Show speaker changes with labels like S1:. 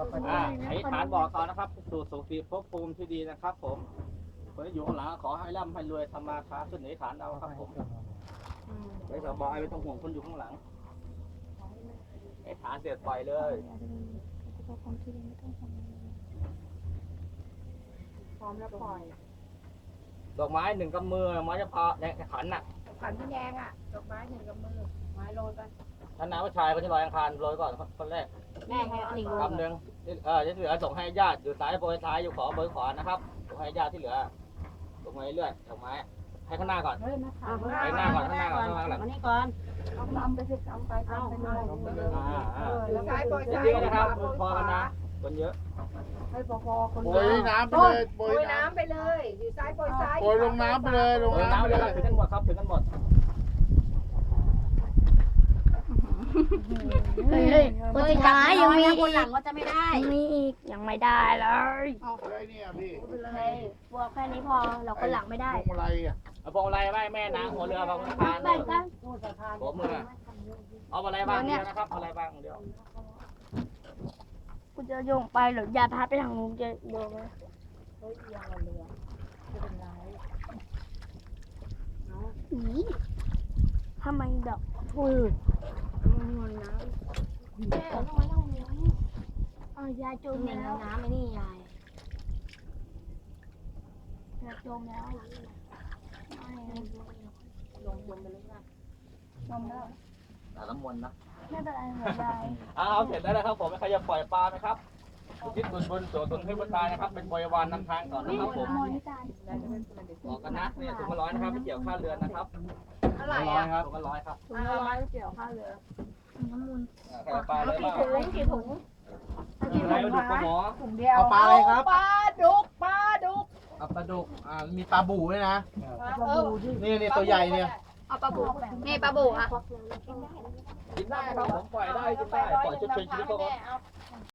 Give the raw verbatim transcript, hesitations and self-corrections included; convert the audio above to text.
S1: อ่าไอ้ฐานบอกเขานะครับสู่สุขติภพภูมิที่ดีนะครับผมคนที่อยู่ข้างหลังขอให้ร่ำให้รวยทำมาค้าขึ้นในฐานเอาครับผมไอ้สบายไม่ต้องห่วงคนอยู่ข้างหลังไอ้ฐานเด็ดปล่อยเลย
S2: พร้อมแล้วปล่อย
S1: ดอกไม้หนึ่งกำมือไม้จะพอในขันน่ะ
S2: ขันพี่แดงอ่ะดอกไม้หนึ่งกับมือไม้โรยไป
S1: ท่านน้าผู้ชายคนที่ลอยอังคารโรยก่อนคนแรก
S2: แม่ให้อันหนึ่งโรย
S1: กำหนึ่งเออที่เหลือส่งให้ญาติอยู่ซ้ายโปรยซ้ายอยู่ขอโปรยขวานะครับส่งให้ญาติที่เหลือส่งมาเรื่อยๆดอกไม้ให้ข้างหน้าก่อน
S2: เฮ้ยมาถาม
S1: ให้ข้างหน้าก่อนข้างหน้าก่อนข้างหลัง
S2: มานี่ก่อนเอาลำไปสิลำไปลำไปเลย
S1: อ่าอ่า
S2: แล้วซ้ายปล่อยซ้าย
S1: เยอะนะครับพอกันนะคนเยอะ
S2: ให้พอพอคน
S3: โปรยน้ำไปเลยโปร
S2: โปร
S3: ย
S2: ย
S3: น้
S2: น้ำไปเลยอยู่ซ้ายปล่อยซ้าย
S3: ำโปรยลงน้ำไปเลยลง
S1: โอ้ย
S3: น้ำ
S1: น้ำ
S3: ไป
S1: ไป
S3: เล
S1: เลย
S3: ย
S1: ถึงกันหมดครับถึงกันหมด
S4: เฮ้ยเฮ้ยคนสุดท้ายยังมี
S2: คนหลั
S4: อี
S2: ง
S4: ก
S2: ก็จะไม่ได้
S4: ยังมีอีกยังไม่ได้เลย
S3: เอาอะไรเนี่ยพี่
S4: เฮ้ยบวกแค่นี้พอเราคนหลังไม่ได้
S3: พวงมาลัยอ่ะ
S1: เอาพวงอะไรไหมแม่นางหัวเรือบางสะพาน
S4: แบ่งกัน
S1: หัวมือเอาอะไรบ้างเดียวนะครับอะไรบ้างเดียว
S4: กูจะโยงไปหรืออย่าพัดไปทางนู้นจะโยงไหม
S2: เฮ้ยเอียงเรือจะเป็นไร
S4: อีทำไมดอกอุ้ย
S2: มันน้ำ
S4: แม่ทำไมต้องมีอ๋อยายจม
S2: หนึ่ง
S4: แล้ว
S2: น้ำไอ้นี่ยาย
S4: ยายจมแล้ว
S2: ลงจมไปเลยค่ะ
S4: จมแล้ว
S1: แต่น้ำมนต์นะ
S4: ไม่เป็นไรหัวใจ
S1: เอาเสร็จแล้วนะครับผมใครจะปล่อยปลาไหมครับคิดบุญบุญตัวตนให้บุญตายนะครับเป็นบริวารนำทางก่อนนะครับผม
S4: มนิการ
S1: บอกกันนะนี่ถุงละร้อยนะครับไม่เกี่ยวค่าเรือนนะครับ
S2: เท่าไหร่
S1: ร้อย
S2: อ่ะ
S1: ครับถุงละร้อยครับ
S4: ถุงละร้อยเกี่ยวข้าวเหลือน้ำมูล
S1: ใครจะปลาเลยบ้าง
S4: ถุงกี่ถุง
S1: อะไรดุกปลาหมอ
S2: ถุงเดียว
S3: เอาปลาอะไรครับ
S2: ปลาดุกปลาดุก
S3: เอาปลาดุกอ่ามีปลาบูด้วยนะ
S2: ปลาบู
S3: นี่นี่ตัวใหญ่เนี่ย
S2: เอาปลาบูนี่ปลาบูอ่ะ
S1: กินได้ครับผมปล่อยได้กินได้ปล่อยชุดเป็นชีวิตเขาก็